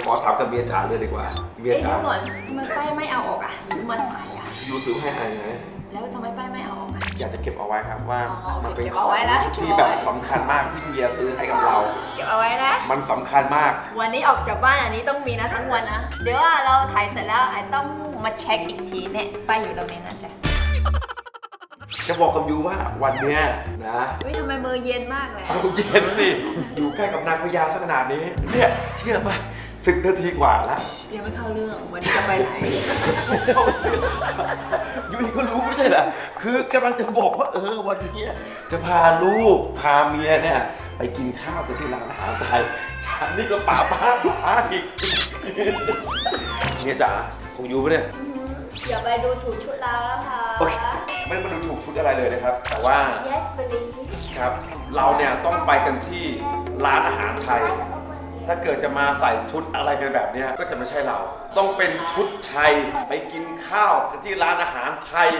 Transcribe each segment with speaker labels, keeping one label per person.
Speaker 1: ขอถามกับเมียจ๋าเลยดีกว่าเมีย
Speaker 2: เอ๊ะ
Speaker 1: จ๋า
Speaker 2: เดี๋ยวก่อนทำไมป้ายไม่เอาออกอ่ะยูมาใส่อ่ะ
Speaker 1: ยูซื้อให้ไอ้ไง
Speaker 2: แล้วทำไมป้ายไม่เอาออกอ่ะ
Speaker 1: อยากจะเก็บเอาไว้ครับว่า
Speaker 2: อ๋อ
Speaker 1: มันเป็น
Speaker 2: เก็บ
Speaker 1: ขอ
Speaker 2: เอา
Speaker 1: ง
Speaker 2: ไว้นะ
Speaker 1: ที่แบบสำคัญมากที่เมียซื้อให้กับเรา
Speaker 2: เก็บเอาไว้นะ
Speaker 1: มันสำคัญมาก
Speaker 2: วันนี้ออกจากบ้านอันนี้ต้องมีนะทั้งวันนะ เดี๋ยวว่าเราถ่ายเสร็จแล้วไอ้ต้องมาเช็คอีกทีเนี่ยป้ายอยู่ตรงนี้นะจ๊ะ
Speaker 1: จะบอกกับยูว่าวันเนี้ยนะ
Speaker 2: อุ้ยทำไมมือเย็นมากเลย
Speaker 1: เอาเย็นสิอยู่ใกล้กับนางพญาสักขนาดนี้เนี่ยเชื่อป่ะ10 นาทีกว่าแล้ว
Speaker 2: ยังไม่เข้าเรื่องวันนี้จะไปไหน
Speaker 1: ยูอีก็รู้ไม่ใช่เหรอคือกำลังจะบอกว่าวันนี้จะพาลูกพาเมียเนี่ยไปกินข้าวกันที่ร้านอาหารไทยฉันนี่ก็ป๋าอีกเมียจ๋าของยูปะเนี่ย
Speaker 2: อย่าไปดูถูกชุดเราแล้วค่ะ
Speaker 1: โอเคไม่ได้มาดูถูกชุดอะไรเลยนะครับ แต่ว่า
Speaker 2: yes believe
Speaker 1: ครับเราเนี่ยต้องไปกันที่ร้านอาหารไทย ถ้าเกิดจะมาใส่ชุดอะไรกันแบบเนี้ยก็จะไม่ใช่เรา ต้องเป็นชุดไทยไปกินข้าวกันที่ร้านอาหารไทย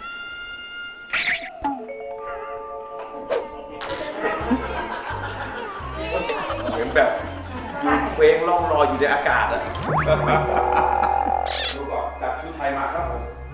Speaker 1: เหมือนแบบยืนเคว้งล่องลอยอยู่ในอากาศอะดูก่อนจัดชุดไทยมาครับผม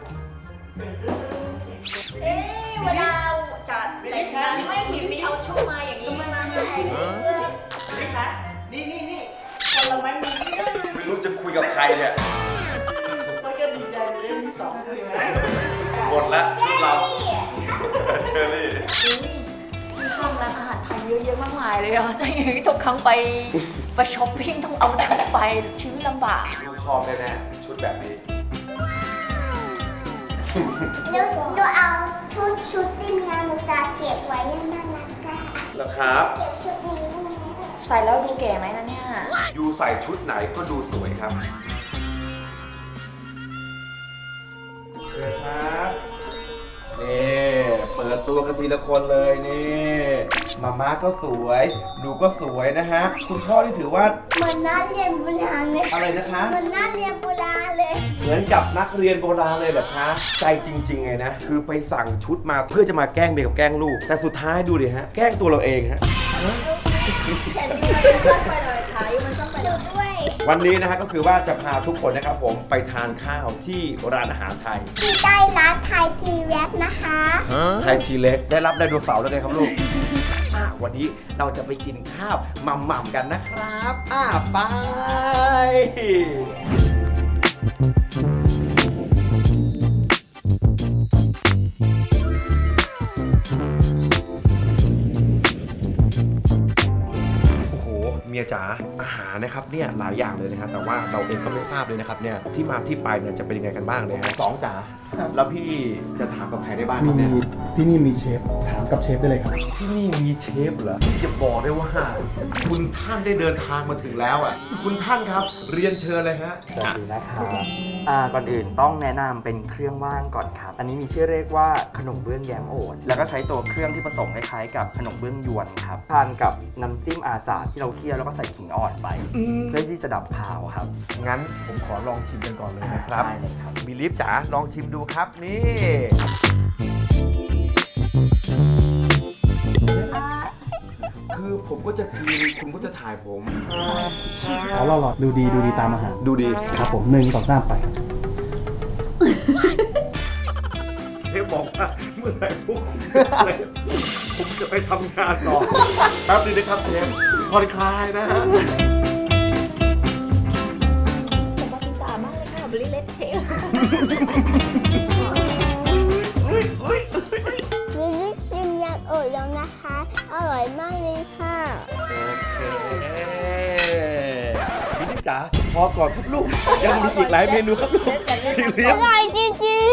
Speaker 2: เอ๊ะเวลาจัดแต่งงานไม่เห็นมีเอาชุดมาอย่างนี้มาให้เลย
Speaker 3: นี่คะนี่คนเราไม่มีนี่
Speaker 1: ไม่รู้จะคุยกับใครเนี่ย
Speaker 3: มันก็ดีใจไปเล่นมีสองเลยนะ
Speaker 1: หมดแล้วชุดเรา เชอรี่
Speaker 2: ที่ห้องร้านอาหารไทยเยอะๆมากมายเลยอ่ะแต่อย่างนี้ทุกครั้งไปช้อปปิ้งต้องเอาชุดไปชีวิตลำบาก
Speaker 1: ดูชอบแน่ๆชุดแบบนี้
Speaker 4: หนูเอาชุดที่เมียหนูจะเก็บไว้ยังน่ารักอะ
Speaker 1: แล้วครับ
Speaker 4: เก็บชุดนี้ไว้
Speaker 2: ใส่แล้วดูเก๋ไหมนะเนี่ย
Speaker 1: ยูใส่ชุดไหนก็ดูสวยครับเชิญครับนี่เปิดตัวกันทีละคนเลยนี่มาม่าก็สวยหนูก็สวยนะฮะคุณพ่อที่ถือว่า
Speaker 4: เหมือนน่าเรียนโบราณเลย
Speaker 1: อะไรนะคะ
Speaker 4: เหมือนน่าเรียนโบราณเลย
Speaker 1: เหมือนกับนักเรียนโบราณเลยเหรอคะใจจริงๆไงนะคือไปสั่งชุดมาเพื่อจะมาแกล้งเมียกับแกล้งลูกแต่สุดท้ายดูดิฮะแกล้งตัวเราเองฮะ
Speaker 2: แต่ยูมันต้องไปหน่อยค่ะยูมันต้องไปหน่อย
Speaker 4: ด้วย
Speaker 1: วันนี้นะฮะก็คือว่าจะพาทุกคนนะครับผมไปทานข้าวที่ร้านอาหารไทย
Speaker 4: ที่ได้ร้านไทยทีแว็กนะคะ
Speaker 1: ไทยทีเล็กได้รับไดโนเสาร์แล้วไงครับลูก วันนี้เราจะไปกินข้าวหม่ำๆกันนะครับไปโอ้โหเมียจ๋าอาหารนะครับเนี่ยหลายอย่างเลยนะครับแต่ว่าเราเองก็ไม่ทราบเลยนะครับเนี่ยที่มาที่ไปเนี่ยจะเป็นยังไงกันบ้างเลยฮะสองจ๋าแล้วพี่จะถามกับใครได้บ้างครับเนี่ย
Speaker 5: ที่นี่มีเชฟ ถามกับเชฟได้เลยครับ
Speaker 1: ที่นี่มีเชฟเหรอที่จะบอกได้ว่าคุณท่านได้เดินทางมาถึงแล้วอ่ะคุณท่านครับเรียนเชิญเลยฮะ
Speaker 6: สวัสดีนะครับก่อนอื่นต้องแนะนำเป็นเครื่องว่างก่อนครับ อันนี้มีชื่อเรียกว่าขนมเบื้องแยมโอทแล้วก็ใช้ตัวเครื่องที่ผสมคล้ายๆกับขนมเบื้องยวนครับ ทานกับน้ำจิ้มอาจารย์ที่เราเคี่ยวแล้วก็ใส่ขิงอ่อนไป เพื่อที่จะดับคาวครับ
Speaker 1: งั้นผมขอลองชิมกันก่อนเลยนะครับ
Speaker 6: ได้เลยครับ
Speaker 1: มีลิฟต์จ๋าลองชิมดูครับนี่คือผมก็จะกินคุณก็จะถ่ายผม
Speaker 5: อ๋อหล่อๆดูดีตามอาหาร
Speaker 1: ดูดี
Speaker 5: ครับผม1 2 3ไป
Speaker 1: เชฟบอกว่าเมื่อไหร่พวกผมจะไปทำงานต่อแป๊บนึงนะครับเชฟผ่อนคลายนะฮะ
Speaker 2: ผมว่าพิซซ่ามากเลยค่ะบริเลตเทล
Speaker 4: มิลลี่ชิมยำโอดแล้วนะคะ อร่อยมากเลยค่ะ
Speaker 1: โอเคมินิจ๋าพอก่อนครับลูกยังมีอีกหลายเมนูครับลูก
Speaker 4: อร่อยจริง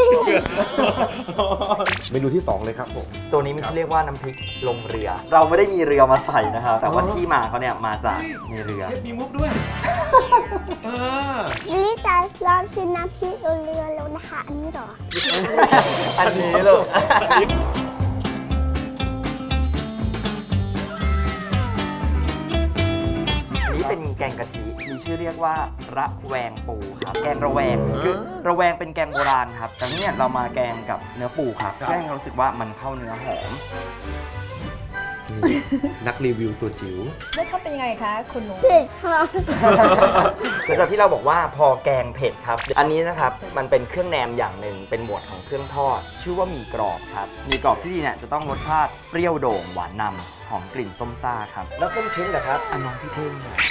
Speaker 1: เมนูที่ 2 เลยครับผม
Speaker 6: ตัวนี้มันชื่อเรียกว่าน้ำพริกลงเรือ เราไม่ได้มีเรือมาใส่นะครับ แต่ว่าที่มาเขาเนี่ยมาจากมีเรือ
Speaker 1: มีมุกด้วย
Speaker 4: ๆมิลลี่จะลองชิมน้ำพริกเรือแล้วนะคะ อันนี้เหรอ
Speaker 6: อันนี้ลูก นี่เป็นแกงกะทิ มีชื่อเรียกว่าระแวงปูครับ แกงระแวงคือระแวงเป็นแกงโบราณครับ แต่เนี่ยเรามาแกงกับเนื้อปูครับเพื่อให้เรารู้สึกว่ามันเข้าเนื้อหอม
Speaker 1: นักรีวิวตัวจิ๋ว
Speaker 2: แล้วชอบเป็นยังไงคะคุณหนู
Speaker 4: เผ็ดค่ะ
Speaker 6: หลังจากที่เราบอกว่าพอแกงเผ็ดครับ อันนี้นะครับมันเป็นเครื่องแหนมอย่างหนึ่งเป็นหมวดของเครื่องทอด ชื่อว่าหมี่กรอบครับหมี่กรอบที่ดีเนี่ยจะต้องรสชาติเปรี้ยวโด่งหวานนำหอมกลิ่นส้มซ่าครับ
Speaker 1: แล้วส้มเช้งเหรอครับ
Speaker 6: อันน้องพี่เท่งหน่อย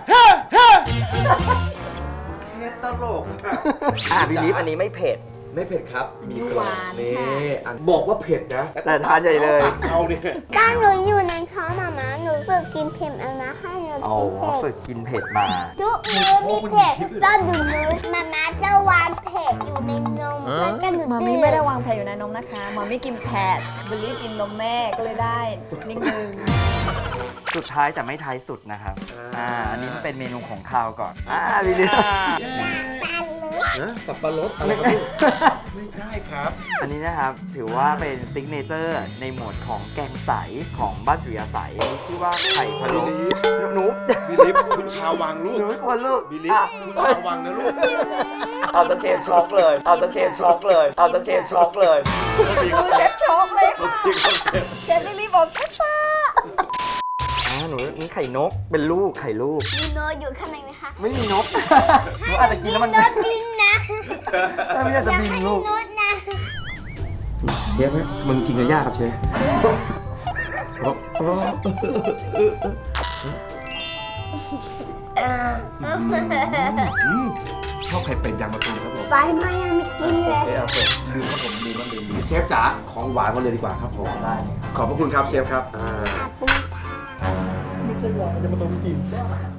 Speaker 1: เทปตลก
Speaker 6: พี่ลิฟอันนี้ไม่เผ็ด
Speaker 1: ไม่เผ็ดครับ มีกรอบ
Speaker 2: หวาน
Speaker 1: นี่
Speaker 2: ค่ะ
Speaker 1: อันบอกว่าเผ็ดนะ
Speaker 6: แต่ทานใหญ่เลย
Speaker 1: เอาเนี่ย
Speaker 4: บ้านหนูอยู่ในท้องมาม่าหนูฝึกกินเผ็ดเอานะให้หนู
Speaker 6: อ๋อ
Speaker 4: กินเผ็
Speaker 6: ฝึ
Speaker 4: ด
Speaker 6: กกินเผ็ดมา
Speaker 4: ทุกมื้อมีเผ็ดตอนหนูมาม่าจะวางเผ็ดอยู่ในนมแล้วก็หนู
Speaker 2: มา
Speaker 4: ตื่
Speaker 2: มี่
Speaker 4: น
Speaker 2: ไม่ได้วางแผนอยู่ในนมนะคะมามี่กินแพดบิลลี่กินนมแม่ก็เลยได้นิดนึง
Speaker 6: สุดท้ายแต่ไม่ท้ายสุดนะครับ อันนี้มันเป็นเมนูของคาวก่อน ลิลิฟ
Speaker 4: ตาเลย
Speaker 1: นะสับปะรดอะไรครับไม่ใช่ครับ
Speaker 6: อันนี้นะครับถือว่าเป็นซิกเนเจอร์ในหมวดของแกงใสของบ้านสุริยาใสมีชื่อว่าไข่พะโล้หนู
Speaker 1: บิลิฟคุณชาววังลูก
Speaker 6: หนูไม่ควรลูก
Speaker 1: บิลิฟคุณชาววังนะลูก
Speaker 6: เอาตะเชนช็อกเลย เอาตะเชนช็อกเลย เอาตะเชนช็อกเลย
Speaker 2: ดูเชฟช็อกเลยค่ะเชฟลิลลี่บอกเชฟป้า
Speaker 6: หนูนี่ไข่นกเป็นลูกไข่ลูก
Speaker 4: มีโนตอยู่ข้างในไหมคะ
Speaker 6: ไม่มีนก หนูอาจจะกินแล้วมัน
Speaker 4: โนตบินนะ
Speaker 6: ไม่อยากจะบินลูก
Speaker 4: โนตนะ
Speaker 1: เชฟไหมมึงกินกับย่าครับเชฟชอบไข่เป็ดยางมะตูมครับผม
Speaker 4: ไปมายังไม่กินเลย
Speaker 1: โอเคลืมครับผมลืมมันลืมเชฟจ๋าของหวานมาเลยดีกว่าครับผมได้ขอบพระคุณครับเชฟครับ
Speaker 4: ขอบคุณค่ะ
Speaker 5: ไม่ใช่หวานจะมาต้องกิน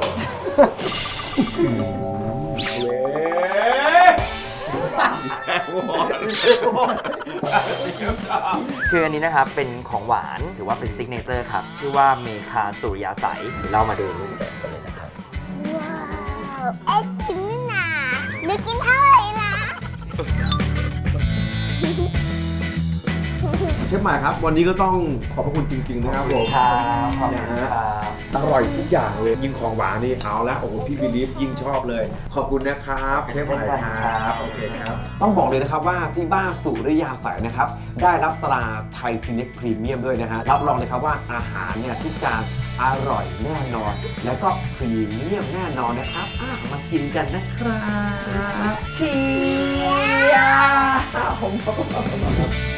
Speaker 6: คืออันนี้นะครับเป็นของหวานถือว่าเป็นซิกเนเจอร์ครับ ชื่อว่าเมคาสุริยาใสเรามาดูรูปแบบกันเลยนะครับ
Speaker 4: ว้าวไอติมนี่นาหนูกินเท่าไหร่นะ
Speaker 1: เชฟหมายครับ วันนี้ก็ต้องขอบพระคุณจริงๆนะครับผม
Speaker 6: ครับขอบคุณ
Speaker 1: นะ
Speaker 6: ค
Speaker 1: ฮะ
Speaker 6: รับ
Speaker 1: อร่อยทุกอย่างเลยยิ่งของหวานนี่เอาละโอ้โหพี่บิลีฟยิ่งชอบเลย ขอบคุณนะครับเชฟหมายครับโอเคครับต้องบอกเลยนะครับว่าที่บ้านสุริยาใสนะครับได้รับตราไทยซีเน็กพรีเมียมด้วยนะฮะรับรองเลยครับว่าอาหารเนี่ยทุกจานอร่อยแน่นอน แล้วก็พรีเมียมแน่นอนนะครับมากินกันนะครับเชียร์